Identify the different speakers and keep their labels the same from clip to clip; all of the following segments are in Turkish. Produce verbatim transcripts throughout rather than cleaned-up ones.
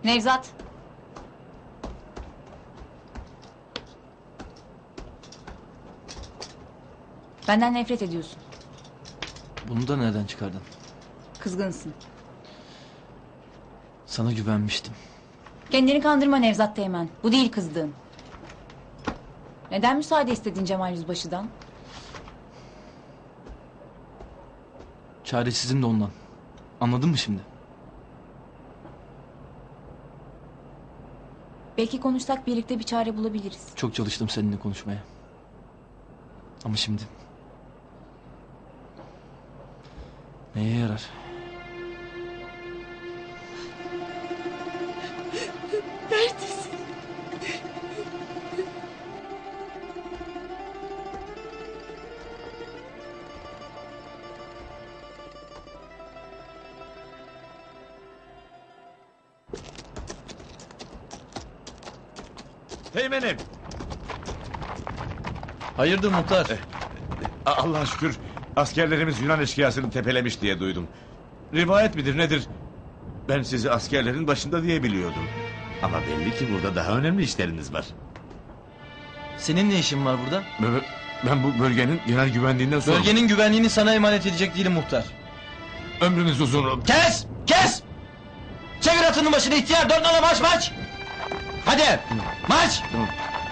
Speaker 1: Nevzat. Benden nefret ediyorsun.
Speaker 2: Bunu da nereden çıkardın?
Speaker 1: Kızgınsın.
Speaker 2: Sana güvenmiştim.
Speaker 1: Kendini kandırma Nevzat Teğmen. Bu değil kızdığın. Neden müsaade istedin Cemal Yüzbaşı'dan?
Speaker 2: Çaresizim de ondan. Anladın mı şimdi?
Speaker 1: Belki konuşsak birlikte bir çare bulabiliriz.
Speaker 2: Çok çalıştım seninle konuşmaya. Ama şimdi... Neye yarar?
Speaker 1: Neredesin?
Speaker 3: Teğmenim.
Speaker 2: Hayırdır muhtar?
Speaker 3: A- Allah'a şükür askerlerimiz Yunan eşkıyasını tepelemiş diye duydum. Rivayet midir nedir? Ben sizi askerlerin başında diye biliyordum. Ama belli ki burada daha önemli işleriniz var.
Speaker 2: Senin ne işin var burada?
Speaker 3: Ben, ben bu bölgenin genel güvenliğinden sorumluyum.
Speaker 2: Bölgenin güvenliğini sana emanet edecek değilim muhtar.
Speaker 3: Ömrünüz uzun.
Speaker 2: Kes! Kes! Çevir atının başını ihtiyar! Dört nala marş marş! Hadi! Marş!
Speaker 3: Tamam.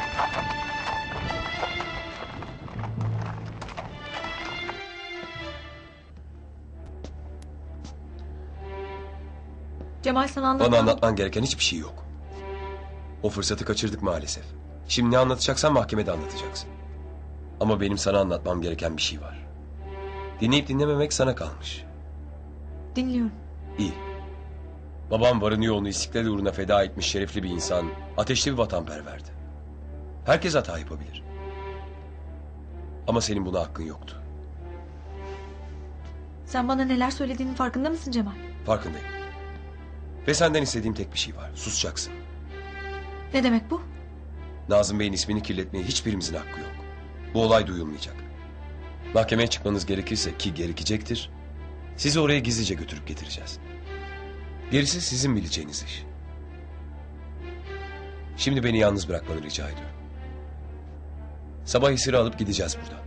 Speaker 4: Cemal sana anlatmam.
Speaker 5: Bana anlatman gereken hiçbir şey yok. O fırsatı kaçırdık maalesef. Şimdi ne anlatacaksan mahkemede anlatacaksın. Ama benim sana anlatmam gereken bir şey var. Dinleyip dinlememek sana kalmış.
Speaker 4: Dinliyorum.
Speaker 5: İyi. Babam varını yoğunu istiklal uğruna feda etmiş şerefli bir insan, ateşli bir vatanperverdi. Herkes hata yapabilir. Ama senin buna hakkın yoktu.
Speaker 4: Sen bana neler söylediğinin farkında mısın Cemal?
Speaker 5: Farkındayım. Ve senden istediğim tek bir şey var. Susacaksın.
Speaker 4: Ne demek bu?
Speaker 5: Nazım Bey'in ismini kirletmeye hiçbirimizin hakkı yok. Bu olay duyulmayacak. Mahkemeye çıkmanız gerekirse ki gerekecektir, sizi oraya gizlice götürüp getireceğiz. Gerisi sizin bileceğiniz iş. Şimdi beni yalnız bırakmanı rica ediyorum. Sabah esiri alıp gideceğiz buradan.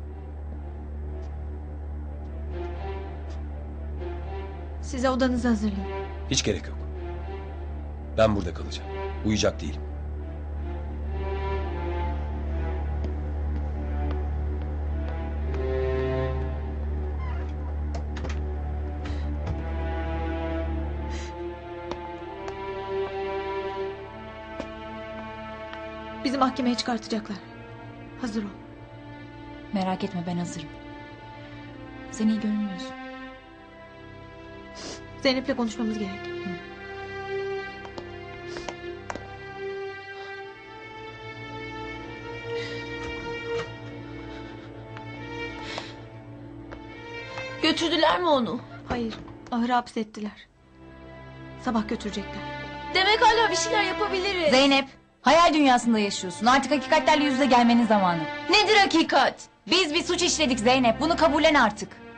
Speaker 4: Size odanızı hazırlayın.
Speaker 5: Hiç gerek yok. Ben burada kalacağım. Uyuyacak değilim.
Speaker 4: Bizi mahkemeye çıkartacaklar. Hazır ol.
Speaker 1: Merak etme ben hazırım. Sen iyi görünmüyorsun.
Speaker 4: Zeynep'le konuşmamız gerek.
Speaker 6: Götürdüler mi onu?
Speaker 4: Hayır, ahıra hapsettiler. Sabah götürecekler.
Speaker 6: Demek hala bir şeyler yapabiliriz.
Speaker 1: Zeynep, hayal dünyasında yaşıyorsun. Artık hakikatlerle yüz yüze gelmenin zamanı.
Speaker 6: Nedir hakikat?
Speaker 1: Biz bir suç işledik Zeynep. Bunu kabullen artık.